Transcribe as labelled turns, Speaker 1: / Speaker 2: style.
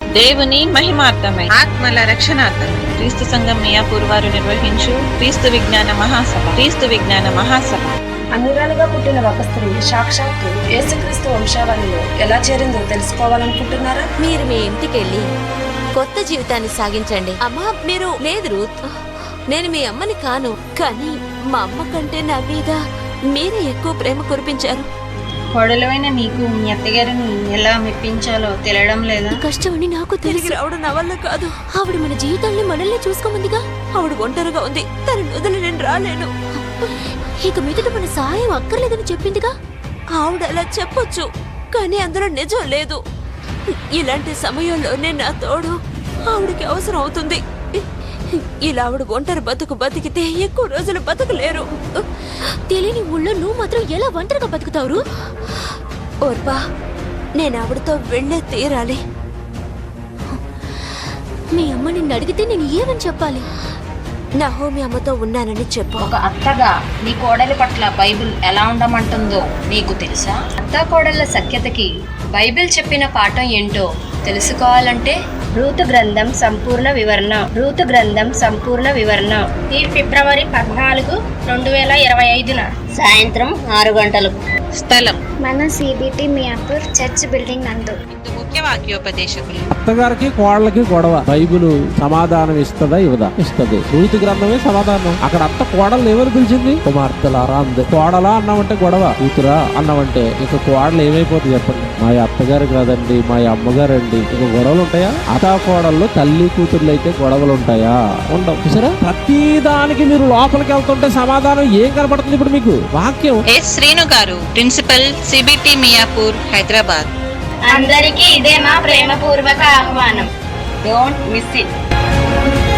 Speaker 1: దేవుని మహిమార్థమై ఆత్మల రక్షణార్థం క్రీస్తు సంఘం మియాపూర్ వారు నిర్వహించు క్రీస్తు విజ్ఞాన మహాసభ
Speaker 2: అన్యురాలుగా పుట్టిన ఒక స్త్రీ సాక్షాత్తు యేసుక్రీస్తు వంశావళిలో ఎలా చేరిందో తెలుసుకోవాలనుకుంటున్నారా?
Speaker 3: మీరు మీ ఇంటికెళ్ళి కొత్త జీవితాన్ని సాగించండి. అమ్మా మీరు లేదు రూత్, నేను మీ అమ్మని కాను, కానీ మా అమ్మ కంటే నా మీద మీరే ఎక్కువ ప్రేమ కురిపించారు.
Speaker 4: కోడలైన నీకు మీ అత్తగారిని ఎలా మెప్పించాలో తెలియడం లేదా?
Speaker 3: కష్టమని నాకు తిరిగి రావడం నా వల్ల కాదు. ఆవిడ మన జీవితాన్ని మనల్ని చూసుకోమందిగా. ఆవిడ ఒంటరిగా ఉంది, తన వదిలి నేను రాలేను. ఇక మీదట మన సహాయం అక్కర్లేదని చెప్పిందిగా. ఆవిడ అలా చెప్పొచ్చు, కానీ అందులో నిజం లేదు. ఇలాంటి సమయంలోనే నా తోడు ఆవిడకి అవసరం అవుతుంది. ఇలా ఆవిడ ఒంటరి బతికితే ఎక్కువ రోజులు బతకలేరు. తెలియని ఊళ్ళో నువ్వు మాత్రం ఎలా ఒంటరిగా బతుకుతావు? ఓర్పా, నేను ఆవిడతో వెళ్ళే తీరాలి. మీ అమ్మ నిన్ను అడిగితే నేను ఏమని చెప్పాలి? నా హోమి అమ్మతో ఉన్నానని చెప్పు.
Speaker 4: ఒక అత్తగా నీ కోడలి పట్ల బైబిల్ ఎలా ఉండమంటుందో నీకు తెలుసా? అత్త కోడళ్ళ సఖ్యతకి బైబిల్ చెప్పిన పాఠం ఏంటో తెలుసుకోవాలంటే
Speaker 2: రూతు గ్రంథం సంపూర్ణ వివరణ ఈ ఫిబ్రవరి 14, 2025
Speaker 4: సాయంత్రం 6 గంటలకు.
Speaker 1: స్థలం
Speaker 5: మన సిబిటి మియాపూర్ చర్చ్ బిల్డింగ్ నందు.
Speaker 1: ముఖ్య వాక్యోపదేశకులు.
Speaker 6: అత్తగారికి కోడలకి గొడవ. బైబిల్ సమాధానం ఇస్తదా ఇవ్వదా? ఇస్తది. రూతు గ్రంథమే సమాధానం. అక్కడ అత్త కోడలు ఏమని పిలిచింది? కుమార్తెలారా అంది. కోడలా అన్నామంటే గొడవ, కూతురా అన్నామంటే ఇక కోడలు ఏమైపోతుంది చెప్పండి? మా అత్తగారు కాదండి, మా అమ్మగారు అండి. ఇక గొడవలు ఉంటాయా? అత్త కోడళ్ళు తల్లి కూతుర్లు అయితే గొడవలు ఉంటాయా? ఉండవు. చూసారా, ప్రతి దానికి మీరు లోపలికి వెళ్తుంటే సమాధానం ఏం కనపడుతుంది ఇప్పుడు మీకు? వాక్యం.
Speaker 1: ఎస్ శ్రీను గారు, ప్రిన్సిపల్ సిబిటి మియాపూర్, హైదరాబాద్.
Speaker 5: అందరికీ ఇదే మా ప్రేమపూర్వక ఆహ్వానం.
Speaker 4: Don't miss it.